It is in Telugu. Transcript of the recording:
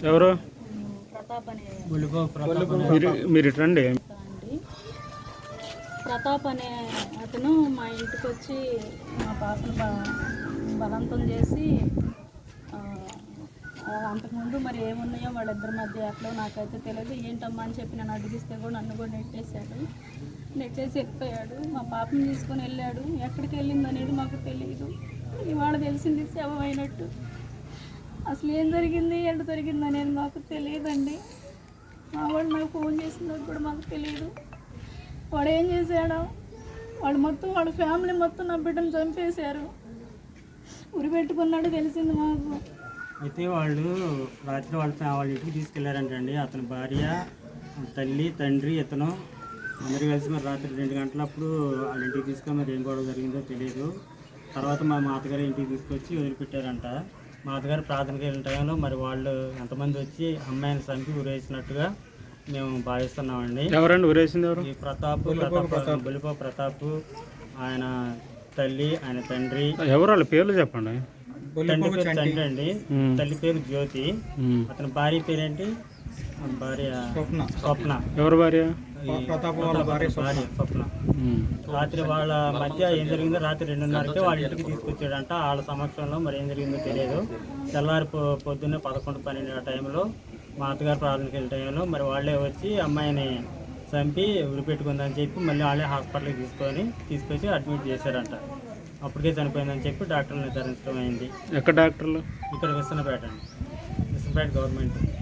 ఎవరు? ప్రతాప్ అనే మీరు రండి. ప్రతాప్ అనే అతను మా ఇంటికి వచ్చి మా పాపను బలవంతం చేసి అంతకుముందు మరి ఏమున్నాయో వాళ్ళిద్దరి మధ్య ఎట్లా నాకైతే తెలియదు. ఏంటమ్మా అని చెప్పి నన్ను అడిగిస్తే కూడా నన్ను కూడా నెట్టేసి వెళ్ళిపోయాడు. మా పాపను తీసుకొని వెళ్ళాడు. ఎక్కడికి వెళ్ళింది అనేది మాకు తెలియదు. ఇవాళ తెలిసింది శవం అయినట్టు. అసలు ఏం జరిగింది, ఎంత జరిగింది అనేది మాకు తెలియదండి. మా వాడు నాకు ఫోన్ చేసినట్టు కూడా మాకు తెలియదు. వాడు ఏం చేశాడో, వాడు మొత్తం వాళ్ళ ఫ్యామిలీ మొత్తం నా బిడ్డను చంపేశారు. ఉరి పెట్టుకున్నాడు తెలిసింది మాకు. అయితే వాళ్ళు రాత్రి వాళ్ళ ఇంటికి తీసుకెళ్లారంటండి. అతని భార్య, తల్లి, తండ్రి, ఇతను అందరూ కలిసి మరి రాత్రి 2 గంటలప్పుడు వాళ్ళ ఇంటికి తీసుకొని మరి ఏం గొడవ జరిగిందో తెలియదు. తర్వాత మా మాతగారి ఇంటికి తీసుకొచ్చి వదిలిపెట్టారంట. మా అత్తగారు ప్రార్థనకి వెళ్ళిన టైంలో మరి వాళ్ళు ఎంతమంది వచ్చి అమ్మాయిని చంపి ఊరేసినట్టుగా మేము భావిస్తున్నామండి. ఎవరండి ఊరేసింది? ఎవరు? ఈ బులిపో ప్రతాప్, ఆయన తల్లి, ఆయన తండ్రి. ఎవరు వాళ్ళ పేర్లు చెప్పండి. తండ్రి పేరు తండ్రి అండి, తల్లి పేరు జ్యోతి, అతని భార్య పేరేంటి? భార్య స్వప్న. ఎవరు భార్య? స్వప్న. రాత్రి వాళ్ళ మధ్య ఏం జరిగిందో రాత్రి 2:30కి వాళ్ళ ఇంటికి తీసుకొచ్చాడంట. వాళ్ళ సమక్షంలో మరి ఏం జరిగిందో తెలియదు. తెల్లారి పొద్దున్నే 11-12 టైంలో మా అత్తగారు ప్రార్థనకి వెళ్ళే టైంలో మరి వాళ్ళే వచ్చి అమ్మాయిని చంపి ఉరి పెట్టుకుందని చెప్పి మళ్ళీ వాళ్ళే హాస్పిటల్కి తీసుకొచ్చి అడ్మిట్ చేశారంట. అప్పటికే చనిపోయిందని చెప్పి డాక్టర్లు నిర్ధారించడం అయింది. ఎక్కడ డాక్టర్లు? ఇక్కడ విసన్నపేట అండి, విసన్నపేట గవర్నమెంట్.